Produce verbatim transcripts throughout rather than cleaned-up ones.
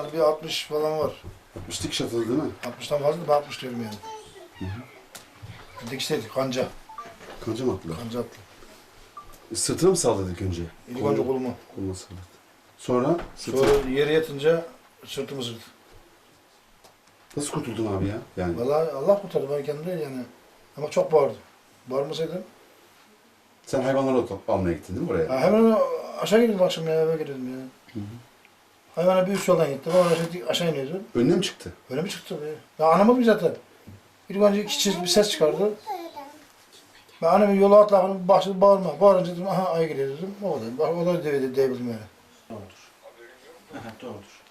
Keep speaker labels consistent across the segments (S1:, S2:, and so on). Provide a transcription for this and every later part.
S1: Vardı bir altmış falan var.
S2: altmış dikiş atıldı değil mi?
S1: altmıştan fazla da ben altmış diyorum yani.
S2: Hı hı.
S1: Dikişteydik kanca.
S2: Kanca mı attılar?
S1: Kanca attı.
S2: E, Sırtına mı salladık önce?
S1: İlk önce kolumu.
S2: Koluna salladık. Sonra sırtı.
S1: Sonra yere yatınca sırtımı sırtı.
S2: Nasıl kurtuldun abi ya? Yani
S1: Vallahi Allah kurtardı ben kendimden yani. Ama çok bağırdım. Bağırmasaydım.
S2: sen hayvanları ot- almaya gittin değil mi oraya?
S1: Ha, hemen aşağı gittim akşam ya eve girdim ya.
S2: Hı hı.
S1: Hayvana bir üst yoldan gittim. Oradan aşağı, aşağı iniyordum.
S2: Önüne mi çıktı?
S1: Öyle mi çıktı be? Ya anlamadım zaten. İlk önce iki çiz bir ses çıkardı. Ben annemin yola atlarken başladı bağırma. Bağırınca dedim aha ay geliyor dedim. O kadar. Bak o da devrildi, devrildim yani.
S3: Doğrudur. Aha, doğrudur.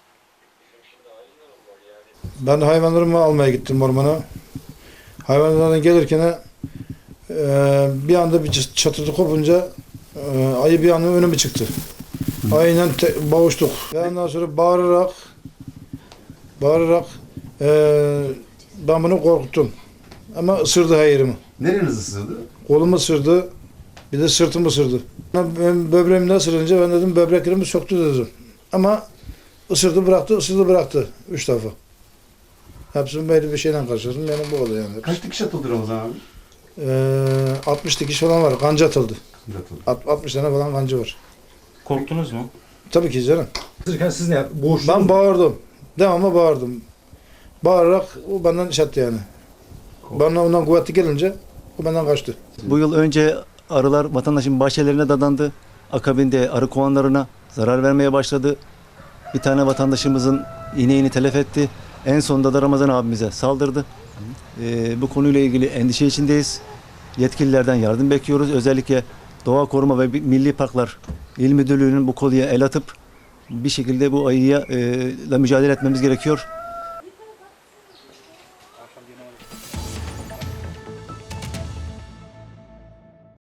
S1: Ben hayvanlarımı almaya gittim ormana. Hayvanlardan gelirken e, bir anda bir çatırtı kopunca e, ayı bir anda önüme çıktı. Ayıyla te- boğuştuk. Ve ondan sonra bağırarak bağırarak e, ben bunu korkuttum. Ama ısırdı her yerimi.
S2: Nereniz ısırdı?
S1: Kolumu ısırdı, bir de sırtımı ısırdı. Ben böbreğimden ısırınca ben dedim böbreklerimi söktü dedim. Ama ısırdı bıraktı, ısırdı bıraktı. Üç defa. Hepsini böyle bir şeyden karşıladım. Benim bu oldu yani.
S2: Kaç dikiş atıldı Ramazan abi?
S1: Ee, altmış dikiş falan var. Kanca atıldı.
S2: Atıldı.
S1: Alt- altmış tane falan kanca var.
S3: Korktunuz mu?
S1: Tabii ki canım.
S4: Isırırken siz ne yaptınız? Boğuştunuz
S1: Ben
S4: mu?
S1: bağırdım. Devamlı bağırdım. Bağırarak o benden iş attı yani. Bana ondan kuvvetli gelince o benden kaçtı.
S5: Bu yıl önce arılar vatandaşın bahçelerine dadandı. Akabinde arı kovanlarına zarar vermeye başladı. Bir tane vatandaşımızın ineğini telef etti. En sonunda da Ramazan abimize saldırdı. Ee, bu konuyla ilgili endişe içindeyiz. Yetkililerden yardım bekliyoruz. Özellikle Doğa Koruma ve Milli Parklar İl Müdürlüğü'nün bu konuya el atıp bir şekilde bu ayıya e, ile mücadele etmemiz gerekiyor.